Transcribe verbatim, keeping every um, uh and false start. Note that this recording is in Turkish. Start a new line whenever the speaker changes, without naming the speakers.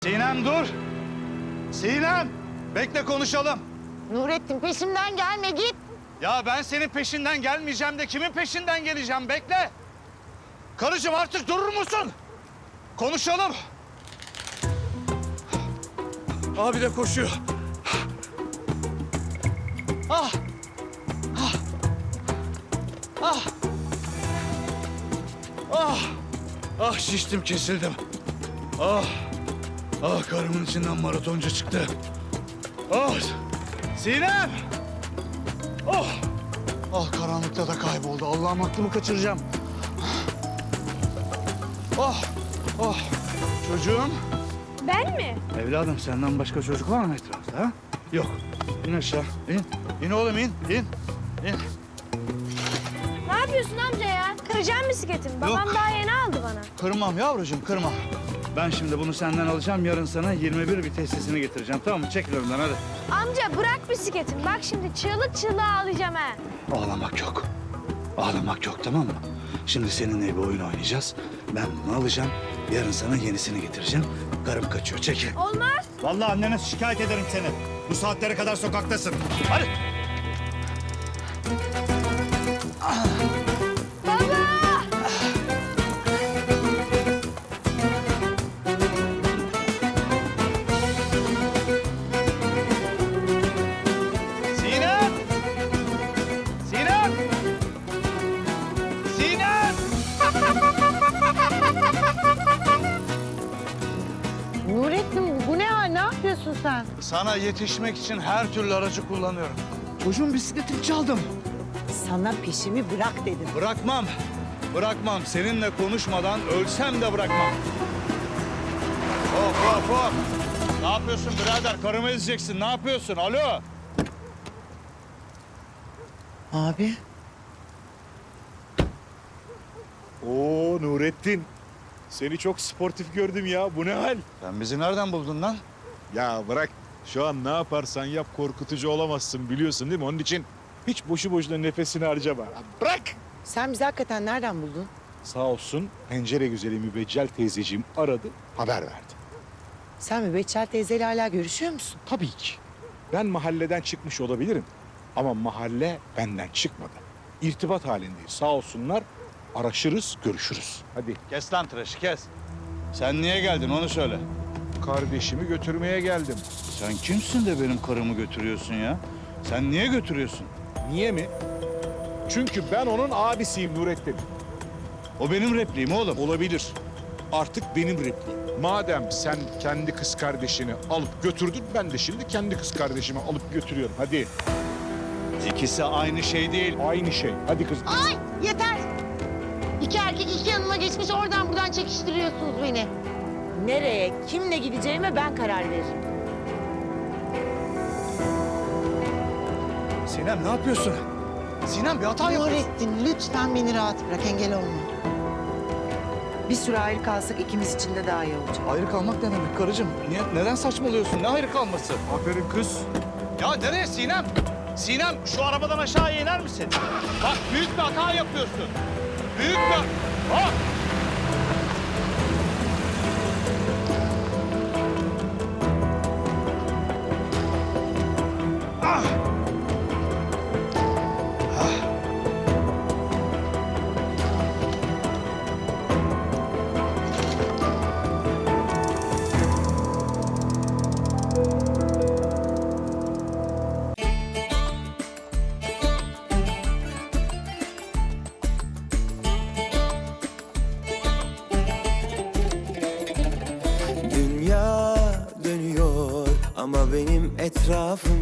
Sinem dur. Sinem, bekle konuşalım.
Nurettin peşimden gelme git.
Ya ben senin peşinden gelmeyeceğim de kimin peşinden geleceğim, bekle. Karıcığım artık durur musun? Konuşalım. Abi de koşuyor. Ah! Ah! Ah! Ah! Ah şiştim, kesildim. Ah! Ah karımın içinden maratoncu çıktı. Ah! Sinem! Oh! Ah karanlıkta da kayboldu. Allah'ım aklımı kaçıracağım. Oh! Oh! Çocuğum.
Ben mi?
Evladım senden başka çocuk var mı etrafta ha? Yok. İn aşağı. İn. İn oğlum in. İn. İn.
Ne yapıyorsun amca ya? Kıracağım bisikletimi. Babam
Yok.
daha yeni aldı bana.
Kırmam yavrucuğum, kırmam. Ben şimdi bunu senden alacağım. Yarın sana yirmi bir viteslisini getireceğim. Tamam mı? Çekil önümden hadi.
Amca bırak bisikletimi. Bak şimdi çığlık çığlığa ağlayacağım ha.
Ağlamak yok. Ağlamak yok, tamam mı? Şimdi seninle bir oyun oynayacağız. Ben bunu alacağım. Yarın sana yenisini getireceğim. Karım kaçıyor. Çekil.
Olmaz.
Vallahi annene şikayet ederim seni. Bu saatlere kadar sokaktasın. Hadi.
Baba!
Sinem! Sinem! Sinem!
Nurettin bu ne hal? Ne yapıyorsun sen?
Sana yetişmek için her türlü aracı kullanıyorum. Çocuğun bisikletini çaldım.
Sana peşimi bırak dedim.
Bırakmam. Bırakmam. Seninle konuşmadan ölsem de bırakmam. Hop hop hop. Ne yapıyorsun birader? Karımı ezeceksin. Ne yapıyorsun? Alo.
Abi.
Oo Nurettin. Seni çok sportif gördüm ya. Bu ne hal?
Sen bizi nereden buldun lan?
Ya bırak. Şu an ne yaparsan yap korkutucu olamazsın biliyorsun değil mi? Onun için hiç boşu boşuna nefesini harcama. Ya bırak.
Sen bizi hakikaten nereden buldun?
Sağ olsun pencere güzeli mübeccel teyzeciğim aradı, haber verdi.
Sen Mübeccel teyzeyle hala görüşüyor musun?
Tabii ki. Ben mahalleden çıkmış olabilirim. Ama mahalle benden çıkmadı. İrtibat halindeyiz. Sağ olsunlar. Araşırız, görüşürüz. Hadi.
Kes lan tıraşı kes. Sen niye geldin onu söyle.
Kardeşimi götürmeye geldim.
Sen kimsin de benim karımı götürüyorsun ya? Sen niye götürüyorsun?
Niye mi? Çünkü ben onun abisiyim Nurettin.
O benim repliğim oğlum.
Olabilir. Artık benim repliğim. Madem sen kendi kız kardeşini alıp götürdün, ben de şimdi kendi kız kardeşimi alıp götürüyorum. Hadi.
İkisi aynı şey değil.
Aynı şey. Hadi kız.
Ay yeter. İki erkek iki yanıma geçmiş oradan buradan çekiştiriyorsunuz beni. Nereye, kimle gideceğime ben karar veririm.
Sinem ne yapıyorsun? Sinem bir hata yapıyorsun.
Nurettin lütfen beni rahat bırak, engel olma. Bir süre ayrı kalsak ikimiz için de daha iyi olacak.
Ayrı kalmak ne demek karıcığım? Niye, neden saçmalıyorsun? Ne ayrı kalması?
Aferin kız.
Ya nereye Sinem? Sinem şu arabadan aşağıya iner misin? Bak büyük bir hata yapıyorsun. Büyük bir... Ah! Ah!
Dünya dönüyor ama benim etrafım